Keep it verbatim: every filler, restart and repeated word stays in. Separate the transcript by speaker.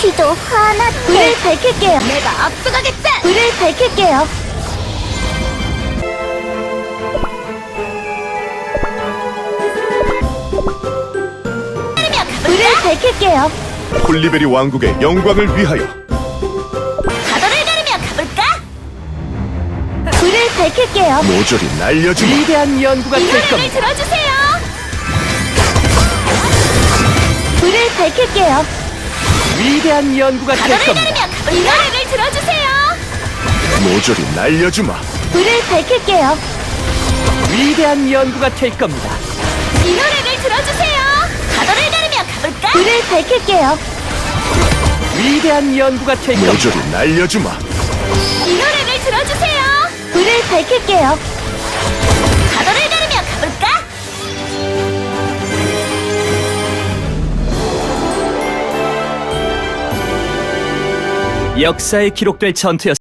Speaker 1: 지도 하나 불을 밝힐게요.
Speaker 2: 내가 앞서가겠다.
Speaker 1: 불을 밝힐게요. 불을 밝힐게요.
Speaker 3: 콜리베리 왕국의 영광을 위하여.
Speaker 2: 가도를 가르며 가볼까?
Speaker 1: 불을 밝힐게요.
Speaker 3: 모조리 날려주마.
Speaker 4: 위대한 연구가
Speaker 2: 이
Speaker 4: 될
Speaker 2: 노래를
Speaker 4: 겁니다.
Speaker 2: 들어주세요.
Speaker 1: 불을 밝힐게요.
Speaker 4: 위대한 연구가 될
Speaker 2: 가도를
Speaker 4: 겁니다.
Speaker 2: 가르며 가볼까? 이 노래를 들어주세요.
Speaker 3: 모조리 날려주마.
Speaker 1: 불을 밝힐게요.
Speaker 4: 위대한 연구가 될 겁니다.
Speaker 2: 이 노래를 들어주세요. 가도를 가르며 가볼까?
Speaker 1: 불을 밝힐게요.
Speaker 4: 위대한 연구가 될 겁니다.
Speaker 3: 모조리 날려주마.
Speaker 2: 이 노래를 들어주세요.
Speaker 1: 불을 밝힐게요.
Speaker 2: 가도를 가르며 가볼까?
Speaker 4: 역사에 기록될 전투였습니다.